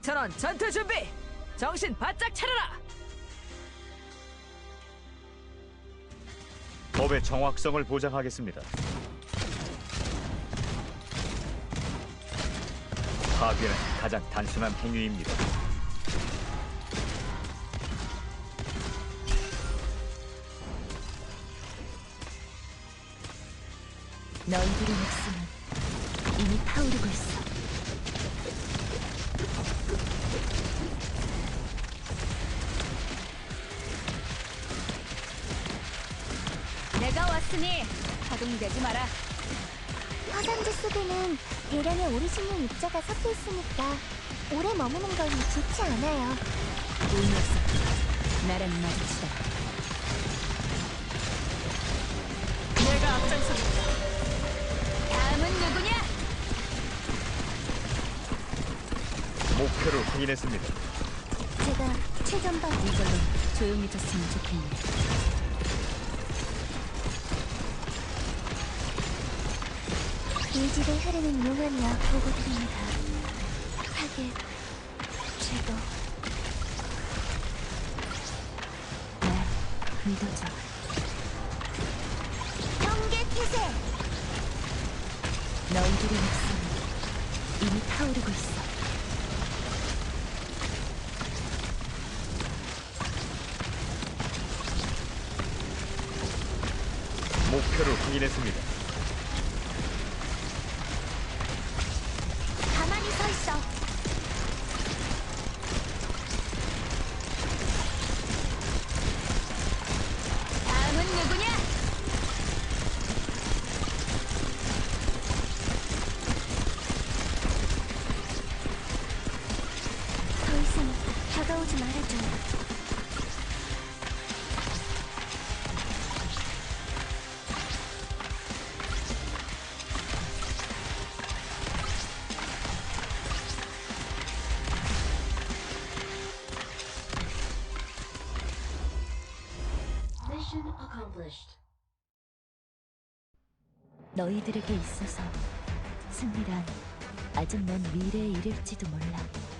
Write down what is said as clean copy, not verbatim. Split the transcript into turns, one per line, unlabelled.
전원 전투 준비! 정신 바짝 차려라!
법의 정확성을 보장하겠습니다. 파괴는 가장 단순한 행위입니다.
너희들의 목숨은 이미 타오르고 있어. 내가 왔으니 가동되지 마라.
화산재 속에는 대량의 오리지널 입자가 섞여 있으니까 오래 머무는 건 좋지 않아요.
이 녀석, 나랑 마주치다.
내가 앞장섭니다.
다음은 누구냐?
목표를 확인했습니다.
제가 최전방
이걸로 조용해졌으면 좋겠네.
이 집에 흐르는 용암이야 보고 드립니다. 타겟, 제거.
날 믿어줘.
경계 태세!
너희들의 목숨은 이미 타오르고 있어.
목표를 확인했습니다.
가만히 서 있어.
다음은 누구냐?
더 이상 다가오지 말아줘.
너희들에게 있어서 승리란 아직 먼 미래에 이를지도 몰라.